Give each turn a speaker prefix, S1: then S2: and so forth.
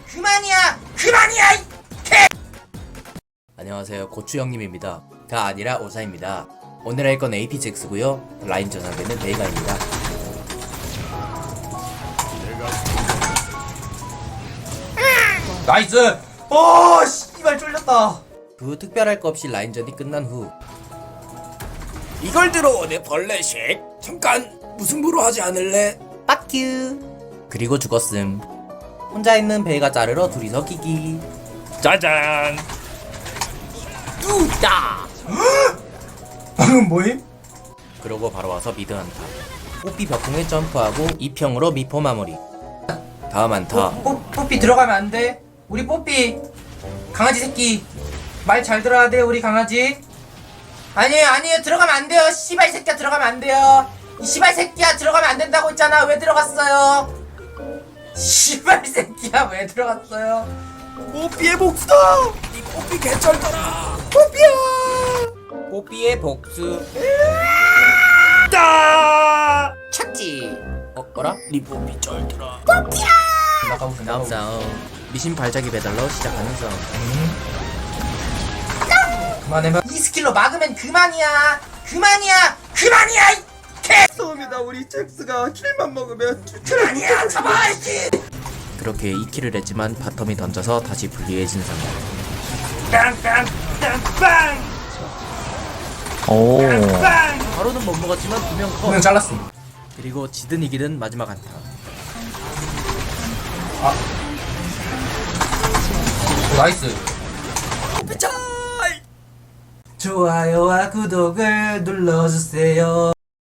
S1: 그만이야 이 개.
S2: 안녕하세요, 고추 형님입니다. 가 아니라 오사입니다. 오늘 할 건 APGX고요. 라인전 상대는 베이가입니다.
S1: 나이스. 오 씨발 쫄렸다.
S2: 그 후 특별할 거 없이 라인전이 끝난 후 이걸 들어 내 벌레식 잠깐 무승부로 하지 않을래? 빡큐. 그리고 죽었음. 혼자 있는 베이가 자르러 둘이서 끼기. 짜잔. 뚜따.
S1: 방금 뭐임?
S2: 그러고 바로 와서 미드 한타. 뽀삐 벽궁에 점프하고 2평으로 미포 마무리. 다음 한타.
S1: 뽀삐 들어가면 안 돼. 우리 뽀삐 강아지 새끼 말 잘 들어야 돼. 우리 강아지. 아니에요 들어가면 안 돼요. 씨발 새끼야 들어가면 안 돼요. 이 씨발 새끼야 들어가면 안 된다고 했잖아. 왜 들어갔어요? 씨발 새끼야 왜 들어갔어요?
S2: 뽀삐의 복수다. 이 뽀삐 개쩔더라. 뽀삐야. 뽀삐의 복수. 따. 찾지. 어라? 니 뽀삐 쩔더라. 뽀삐야. 다음 싸움. 미신 발자기 배달로 시작하는 싸움.
S1: 그만해봐. 이 스킬로 막으면 그만이야 이 개.
S3: 처음이다. 우리 잭스가 킬만 먹으면
S1: 그만이야 잡아 이씨.
S2: 그렇게 2킬을 했지만 바텀이 던져서 다시 불리해진 상황.
S1: 빵빵빵빵.
S2: 오. 바로는 못 먹었지만 2명 컷.
S1: 분명 잘랐어.
S2: 그리고 지든 이기든 마지막 한타.
S1: 나이스. 좋아요와 구독을 눌러주세요.